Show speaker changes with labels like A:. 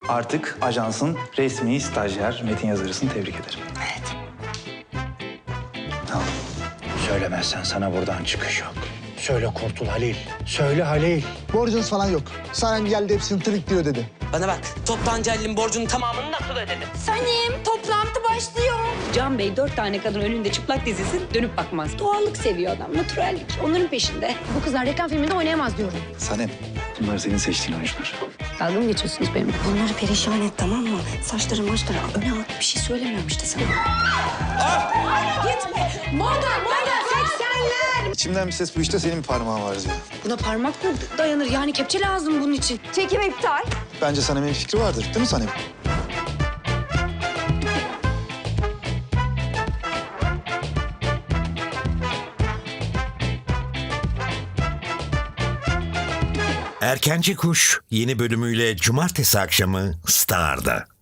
A: artık ajansın resmi stajyer metin yazarısını tebrik ederim.
B: Evet.
A: Tamam.
C: Söylemezsen sana buradan çıkış yok. Söyle Kurtul Halil. Söyle Halil.
D: Borcunuz falan yok. Sanem geldi hepsini tırıklıyor dedi.
B: Bana bak, toptancı Halil'in borcunun tamamını nasıl ödedi?
E: Sanem, toplantı başlıyor. Can Bey 4 tane kadın önünde çıplak dizilsin, dönüp bakmaz. Doğallık seviyor adam, natürellik. Onların peşinde. Bu kızlar reklam filminde oynayamaz diyorum.
A: Sanem, bunlar senin seçtiğin oyuncular.
E: Dalga mı geçiyorsunuz benimle?
F: Onları perişan et, tamam mı? Saçları maçları öne al. Bir şey söylemiyorum işte sana.
E: Gitme! Moda 80'ler!
A: İçimden bir ses bu işte senin parmağın var diyor.
E: Buna parmak mı dayanır? Yani kepçe lazım bunun için.
F: Çekim iptal.
A: Bence Sanem'in fikri vardır değil mi Sanem?
G: Erkenci Kuş yeni bölümüyle cumartesi akşamı Star'da.